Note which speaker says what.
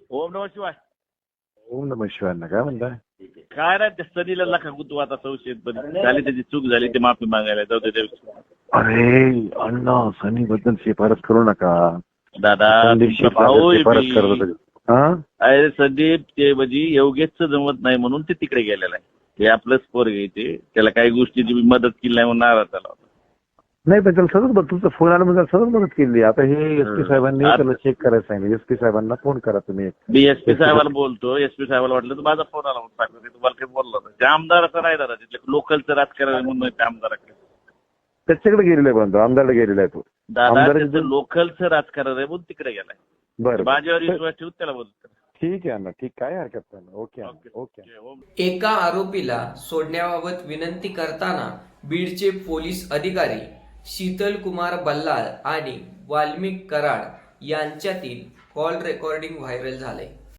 Speaker 1: ओम नमः शिवाय.
Speaker 2: ओम नमः शिवाय. काय म्हणताय?
Speaker 1: काय नाही त्या सनीला लखा गुतू आता संशयित पण झाली त्याची चूक झाली ते माफी मागायला जाऊ दे.
Speaker 2: अरे अण्णा सनी बद्दल शिफारस करू नका.
Speaker 1: दादा
Speaker 2: संदीप
Speaker 1: तुमचा भाऊ आहे
Speaker 2: शिफारस
Speaker 1: मी.
Speaker 2: करत होते. हा
Speaker 1: अरे संदीप ते म्हणजे योगेशचं जमत नाही म्हणून ते तिकडे गेलेलं आहे. ते आपलंच पोर घ्यायचे त्याला काही गोष्टीची मी मदत केली नाही म्हणून नाराज झाला होता.
Speaker 2: नाही पण त्याला सतत तुमचा फोन आला म्हणजे सतत मदत केली. आता हे एसपी साहेबांनी त्याला चेक करायला सांगितलं. एसपी साहेबांना फोन करा तुम्ही.
Speaker 1: मी एसपी साहेबाला बोलतो. एसपी साहेबाला वाटलं तर माझा फोन आला म्हणून सांगतो. ते तुम्हाला काही बोललो होतं. त्या आमदाराचं नाही दादा तिथलं लोकलचं राजकारण म्हणून त्या आमदाराकडे
Speaker 2: त्याच्याकडे गेलेला आहे. बंधू आमदारला गेलेला आहे तो.
Speaker 1: दादा त्याचं लोकलचं राजकारण आहे म्हणून तिकडे गेलाय.
Speaker 2: बरं
Speaker 1: माझ्यावर विश्वास ठेवून त्याला बोलतो.
Speaker 2: ठीक आहे अण्णा. ठीक काय हरकत नाही. Okay okay.
Speaker 3: एका आरोपीला सोडण्याबाबत विनंती करताना बीडचे पोलीस अधिकारी शीतल कुमार बल्लाळ आणि वाल्मिक कराड यांच्यातील कॉल रेकॉर्डिंग व्हायरल झाले.